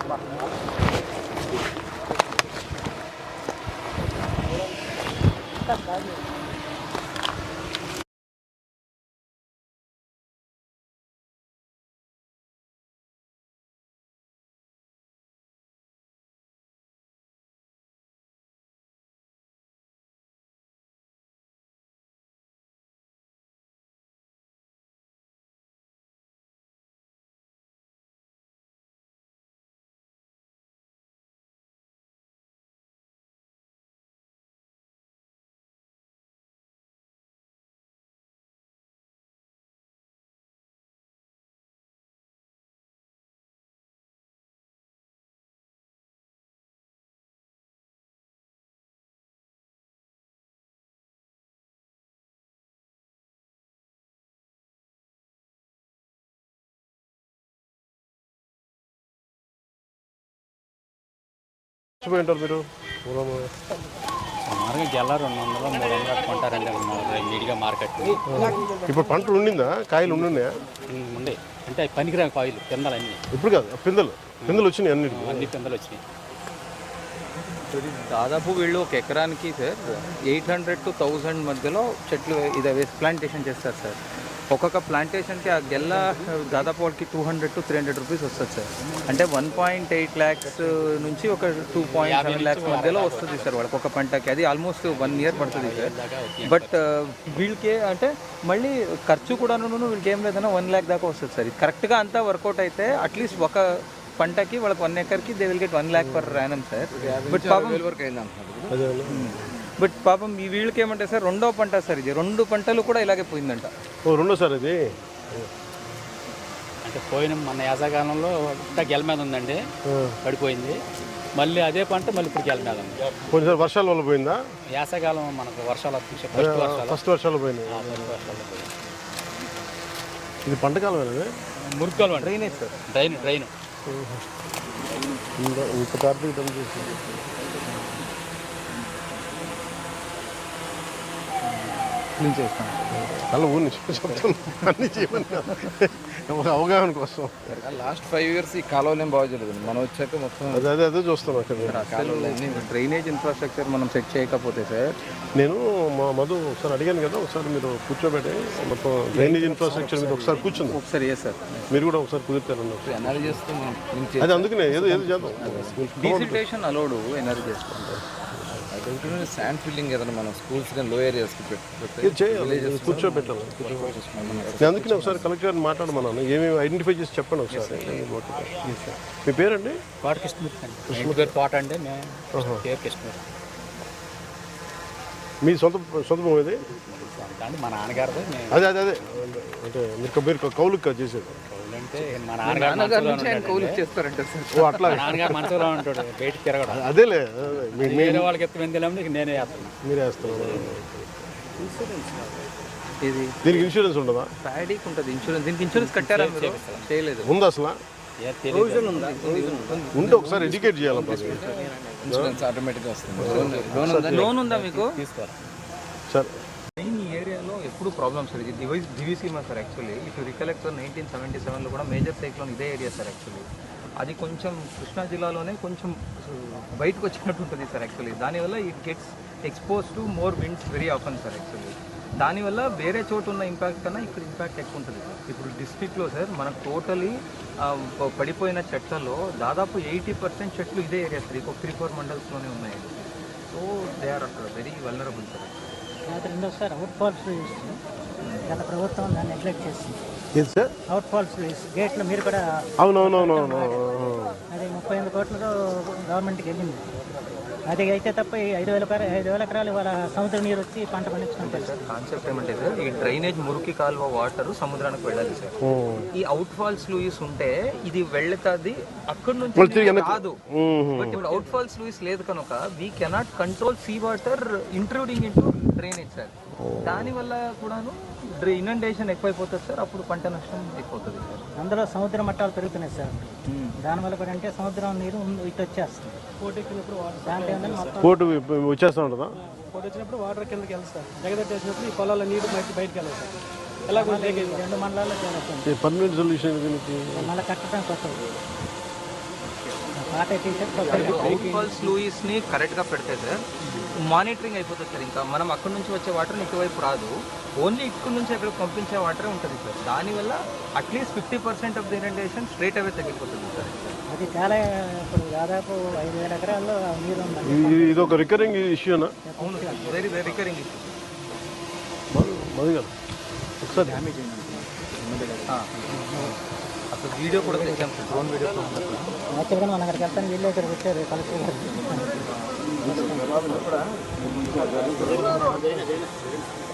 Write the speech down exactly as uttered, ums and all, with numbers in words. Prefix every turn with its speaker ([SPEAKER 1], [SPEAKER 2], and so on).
[SPEAKER 1] మీరు
[SPEAKER 2] సుమారుగా గెల రెండు వందలు మూడు వందలు కొంటారండి నీట్గా మార్కెట్.
[SPEAKER 1] ఇప్పుడు పంటలు ఉండిందా? కాయలు ఉండున్నాయా?
[SPEAKER 2] ఉండే అంటే పనికిరా కాయలు పిందలు అన్నీ.
[SPEAKER 1] ఇప్పుడు కాదు, పిందలు పిందలు వచ్చినాయి అన్ని
[SPEAKER 2] అన్ని పిందలు వచ్చినాయి.
[SPEAKER 3] దాదాపు వీళ్ళు ఒక ఎకరానికి sir eight hundred to thousand మధ్యలో చెట్లు ఇది వేసి ప్లాంటేషన్ చేస్తారు సార్. ఒక్కొక్క ప్లాంటేషన్కి ఆ గెల్ల దాదాపు వాళ్ళకి two hundred to three hundred rupees వస్తుంది సార్. అంటే వన్ పాయింట్ ఎయిట్ ల్యాక్స్ నుంచి ఒక టూ పాయింట్ సెవెన్ ల్యాక్స్ మధ్యలో వస్తుంది సార్ వాళ్ళకి ఒక పంటకి. అది ఆల్మోస్ట్ వన్ ఇయర్ పడుతుంది సార్. బట్ వీళ్ళకి అంటే మళ్ళీ ఖర్చు కూడా వీళ్ళకి ఏం లేదన్నా వన్ ల్యాక్ దాకా వస్తుంది సార్. ఇది కరెక్ట్గా అంతా వర్కౌట్ అయితే అట్లీస్ట్ ఒక పంటకి వాళ్ళకి వన్ ఎకర్కి they will get one lakh per annum sir. But పాపం బట్ పాపం ఈ వీళ్ళకి ఏమంటే సార్ రెండో పంట సార్, ఇది రెండు పంటలు కూడా ఇలాగే పోయిందంట.
[SPEAKER 1] ఓ రెండో సార్ ఇది
[SPEAKER 2] అంటే పోయిన మన యాసకాలంలో గెల మీద ఉందండి, పడిపోయింది. మళ్ళీ అదే పంట మళ్ళీ ఇప్పుడు గెల మీద ఉంది.
[SPEAKER 1] కొంచెం వర్షాల వల్ల పోయిందా?
[SPEAKER 2] యాసకాలం మనకు వర్షాలు ఫస్ట్ వర్షాలు
[SPEAKER 1] ఫస్ట్ వర్షాలు పోయింది. ఇది పంటకాలం
[SPEAKER 2] మురుకాలు డ్రైనేజ్ సార్, డ్రైన్ డ్రైన్
[SPEAKER 1] ఇంత కార్తీక డమ్ చేసి
[SPEAKER 3] క్లీన్ చేస్తాను
[SPEAKER 1] అలా ఊరిని చెప్తాను అన్నీ చేయమని ఒక అవగాహన కోసం.
[SPEAKER 3] లాస్ట్ ఫైవ్ ఇయర్స్ ఈ కాలువలు ఏం బాగా జరుగుతుంది. మనం వచ్చాక మొత్తం
[SPEAKER 1] అదే అదే అదే చూస్తాం అక్కడ
[SPEAKER 3] డ్రైనేజ్ ఇన్ఫ్రాస్ట్రక్చర్ మనం సెట్ చేయకపోతే సార్.
[SPEAKER 1] నేను మా మధు ఒకసారి అడిగాను కదా, ఒకసారి మీరు కూర్చోబెట్టి మొత్తం డ్రైనేజ్ ఇన్ఫ్రాస్ట్రక్చర్ మీద ఒకసారి కూర్చుంది.
[SPEAKER 3] ఒకసారి ఏ సార్
[SPEAKER 1] మీరు కూడా ఒకసారి కుదిరితారన్న
[SPEAKER 3] ఎనర్జీ చేస్తాం.
[SPEAKER 1] అది అందుకనే ఏదో ఏదో చేద్దాం.
[SPEAKER 3] డీసిల్టేషన్ అలౌడ్ ఎనర్జీ చేస్తాం. శాండ్ ఫిల్లింగ్ ఏదైనా మనం స్కూల్స్ కానీ లో ఏరియాస్కి
[SPEAKER 1] కూర్చోబెట్టాలి. నేను అందుకనే ఒకసారి కలెక్టర్ గారిని మాట్లాడమన్నాను, ఏమేమి ఐడెంటిఫై చేసి చెప్పండి ఒకసారి. మీ పేరండి?
[SPEAKER 2] తోట కృష్ణమూర్తి అండి. కృష్ణమూర్తి తోట అండి పేరు కృష్ణమూర్తి.
[SPEAKER 1] మీ సొంత సొంత భూమి ఇది?
[SPEAKER 2] మా నాన్నగారు.
[SPEAKER 1] అదే అదే అదే అంటే మీరు మీరు కౌలుకి చేసేది
[SPEAKER 2] అంటే మా నాన్నగారు
[SPEAKER 3] కౌలు చేస్తారంటే
[SPEAKER 1] ఓ అట్లా
[SPEAKER 2] నాన్నగారు మనసులో ఉంటాడు, బయటికి తిరగడం.
[SPEAKER 1] అదేలే
[SPEAKER 2] వేరే వాళ్ళకి ఎత్తు వెందిలేమో నేనే వేస్తాను.
[SPEAKER 1] మీరే వేస్తున్నారు.
[SPEAKER 3] ఇది
[SPEAKER 1] దీనికి ఇన్సూరెన్స్ ఉండదా?
[SPEAKER 3] ప్యాడీకి ఉంటుంది ఇన్సూరెన్స్. దీనికి ఇన్సూరెన్స్ కట్టారా? చేయలేదు.
[SPEAKER 1] ఉంది అసలు? ఉంటే ఒకసారి ఎడ్యుకేట్ చేయాలి.
[SPEAKER 3] ఇన్సూరెన్స్ ఆటోమేటిక్గా వస్తుంది. లోన్ ఉందా మీకు?
[SPEAKER 2] తీసుకోవాలి
[SPEAKER 1] సార్.
[SPEAKER 3] మెయిన్ ఈ ఏరియాలో ఎప్పుడు ప్రాబ్లమ్స్ సార్. ఇది డివైస్ Diviseema sir. Actually if recollect sir nineteen seventy సెవెన్లో కూడా మేజర్ సైక్లోన్ ఇదే ఏరియా సార్. యాక్చువల్లీ అది కొంచెం కృష్ణా జిల్లాలోనే కొంచెం బయటకు వచ్చినట్టు ఉంటుంది సార్. యాక్చువల్లీ దానివల్ల it gets expose to more winds very often sir. Actually దానివల్ల వేరే చోటు ఉన్న ఇంపాక్ట్ కన్నా ఇక్కడ ఇంపాక్ట్ ఎక్కువ ఉంటుంది సార్. ఇప్పుడు డిస్ట్రిక్ట్లో సార్ మనకు టోటలీ పడిపోయిన చెట్లలో దాదాపు ఎయిటీ పర్సెంట్ చెట్లు ఇదే ఏరియా సార్. ఇంకొక త్రీ ఫోర్ మండల్స్లోనే ఉన్నాయి. So they are very vulnerable sir.
[SPEAKER 4] రెండోసారి అవుట్ ఫాల్స్ గత ప్రభుత్వం దాన్ని నెగ్లెక్ట్ చేసింది.
[SPEAKER 1] ఏది సార్?
[SPEAKER 4] అవుట్ ఫాల్స్ గేట్లో మీరు కూడా
[SPEAKER 1] అవునవునవునవును
[SPEAKER 4] అది ముప్పై ఎనిమిది కోట్లతో గవర్నమెంట్కి వెళ్ళింది. అది అయితే తప్ప ఐదు వేల ఐదు వేల ఎకరాలు వాళ్ళ సముద్ర నీరు వచ్చి పంట పండించుకుంటారు సార్.
[SPEAKER 3] కాన్సెప్ట్ ఏమంటే సార్, ఈ డ్రైనేజ్ మురికి కాలువ వాటర్ సముద్రానికి వెళ్ళాలి సార్. ఈ అవుట్ ఫాల్స్ లూయిస్ ఉంటే ఇది వెళ్తుంది అక్కడ నుంచి కాదు. బట్ ఇప్పుడు అవుట్ ఫాల్స్ లూయిస్ లేదు కనుక we cannot control sea water intruding into drainage sir. దానివల్ల కూడాను ఇనండేషన్ ఎక్కువైపోతుంది సార్. అప్పుడు పంట నష్టం ఎక్కువవుతుంది సార్.
[SPEAKER 4] అందులో సముద్ర మట్టాలు పెరుగుతున్నాయి సార్. దానివల్ల కూడా అంటే సముద్రం నీరు ఇటు వచ్చేస్తుంది. పోటీ
[SPEAKER 1] పోటు వచ్చేస్తూ ఉంటుందా?
[SPEAKER 4] పోటీ వచ్చినప్పుడు వాటర్ కిందకి వెళ్తారు. జగదట్టేసినప్పుడు ఈ పొలాల నీరు బయట బయటకు వెళ్ళాలి సార్. ఎలా రెండు మండలాల్లో చేయాలి.
[SPEAKER 1] పర్మనెంట్ సొల్యూషన్ దీనికి
[SPEAKER 4] మళ్ళీ కట్టడం కొత్తది. పాత టీషర్ట్
[SPEAKER 3] అవుట్ ఫాల్స్ లూయిస్ని కరెక్ట్గా పెడితే సార్ మానిటరింగ్ అయిపోతుంది సార్. ఇంకా మనం అక్కడ నుంచి వచ్చే వాటర్ ఇటువైపు రాదు, ఓన్లీ ఇక్కడ నుంచి అక్కడ పంపించే వాటరే ఉంటుంది సార్. దానివల్ల at least fifty percent of the irrigation straight away తగ్గిపోతుంది సార్.
[SPEAKER 4] అది చాలా ఇప్పుడు దాదాపు ఐదు వేల ఎకరాల్లో నీరు ఉందండి.
[SPEAKER 1] ఇది ఇది ఒక రికరింగ్ ఇష్యూనా?
[SPEAKER 3] అవును sir, very very recurring issue.
[SPEAKER 1] Madhu గారు ఒకసారి
[SPEAKER 3] అసలు వీడియో కూడా తెచ్చాం సార్, డ్రోన్ వీడియో.
[SPEAKER 4] యాక్చువల్గా మనం అక్కడికి వెళ్తాను, వీళ్ళు ఇక్కడికి వచ్చారు కలెక్టర్ గారు.